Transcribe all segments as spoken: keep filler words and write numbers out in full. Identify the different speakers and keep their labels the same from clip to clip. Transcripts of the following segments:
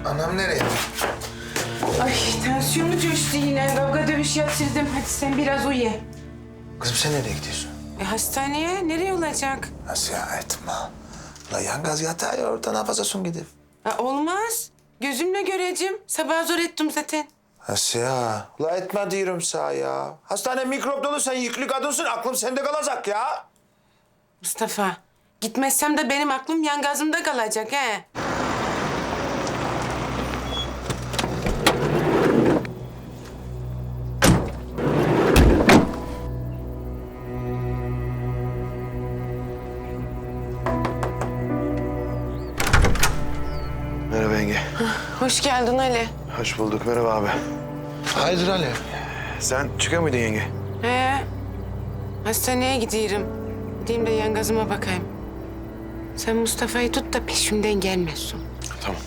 Speaker 1: Anam nereye?
Speaker 2: Ay tansiyonu coştu yine. Kavga dövüş yatırdım. Hadi sen biraz uyu.
Speaker 1: Kızım sen nereye gidiyorsun?
Speaker 2: E, hastaneye nereye olacak?
Speaker 1: Nasıl ya etme. La yangaz yatağı ya orada ne yapacaksın gidip?
Speaker 2: Ha, olmaz. Gözümle göreceğim. Sabah zor ettim zaten.
Speaker 1: Nasıl ya? La etme diyorum sana ya. Hastane mikrop dolu, sen yüklü kadınsın. Aklım sende kalacak ya.
Speaker 2: Mustafa, gitmezsem de benim aklım yangazımda kalacak he.
Speaker 3: Merhaba yenge.
Speaker 2: Hoş geldin Ali.
Speaker 3: Hoş bulduk. Merhaba abi.
Speaker 1: Hayırdır Ali?
Speaker 3: Sen çıkıyor muydun yenge?
Speaker 2: He, hastaneye gidiyorum. Gideyim de yangazıma bakayım. Sen Mustafa'yı tut da peşimden gelmesin.
Speaker 3: Tamam.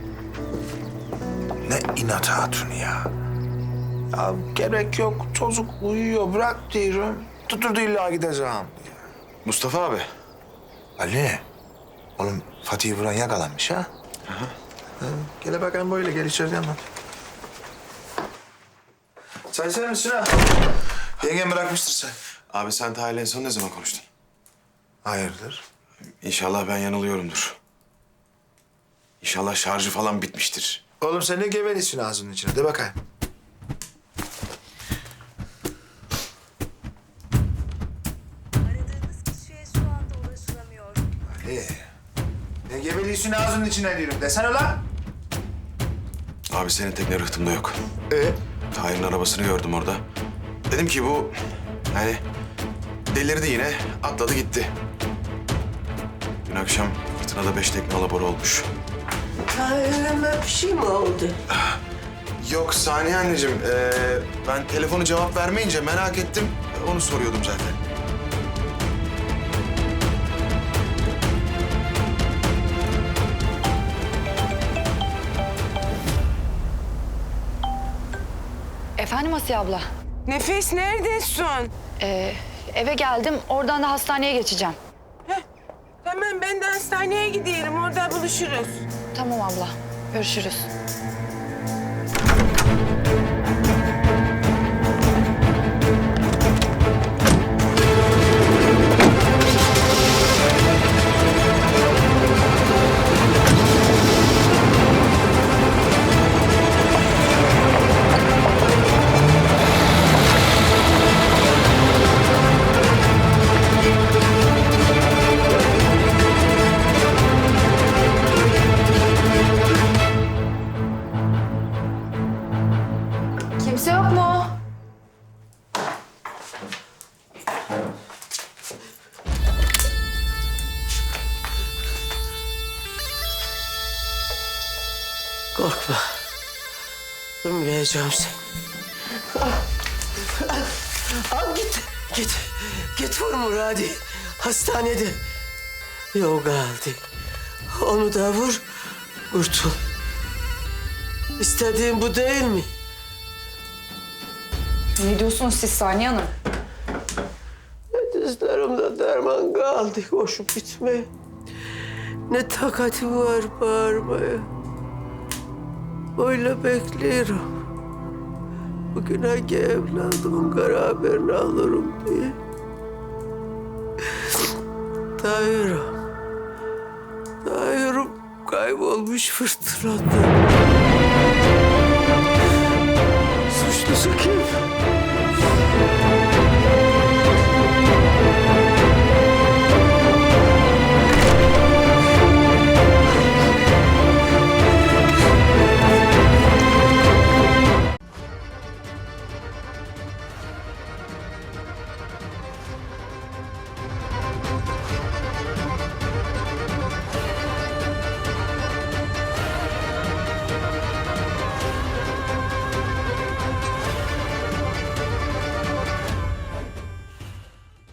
Speaker 1: Ne inat hatun ya. Ya gerek yok. Çocuk uyuyor. Bırak diyorum. Tuturdu illa gideceğim.
Speaker 3: Mustafa abi.
Speaker 1: Ali. Oğlum Fatih'i vuran yakalanmış ha? Hı hı. Gel bakayım böyle. Gel içeride hemen. Çay içer misin ha? Yengem bırakmıştır sen.
Speaker 3: Abi sen Tahir'le en son ne zaman konuştun?
Speaker 1: Hayırdır?
Speaker 3: İnşallah ben yanılıyorumdur. İnşallah şarjı falan bitmiştir.
Speaker 1: Oğlum sen ne gevelisin ağzının içine? De bakayım.
Speaker 4: Aradığınız kişiye şu anda ulaşılamıyor.
Speaker 1: Ali. Ne gevelisin ağzının içine diyorum. Desene lan.
Speaker 3: Abi senin tekne rıhtımda yok.
Speaker 1: Ee?
Speaker 3: Tahir'in arabasını gördüm orada. Dedim ki bu yani delirdi yine, atladı gitti. Dün akşam fırtınada beş tekne alabora olmuş.
Speaker 5: Tahir'ime bir şey mi oldu?
Speaker 3: Yok Saniye anneciğim, ee, ben telefonu cevap vermeyince merak ettim. Onu soruyordum zaten.
Speaker 6: Efendim Asiye abla.
Speaker 2: Nefes neredesin?
Speaker 6: Ee, eve geldim. Oradan da hastaneye geçeceğim.
Speaker 2: Heh, tamam ben de hastaneye gidiyorum. Orada buluşuruz.
Speaker 6: Tamam abla. Görüşürüz. Kimse yok mu?
Speaker 5: Korkma. Ölmeyeceğim seni. Al, al, al git. Git. Git vur Muradi. Hastanede. Yok aldı. Onu da vur. Kurtul. İstediğin bu değil mi?
Speaker 6: Ne diyorsunuz siz Saniye Hanım?
Speaker 5: Dizlerimde derman kaldı. Koşup gitme. Ne takati var bağırmaya. Öyle bekliyorum. Bugün hangi evladımın kara haberini alırım diye. Tahir'im. Tahir'im kaybolmuş fırtınada. Suçlusu kim?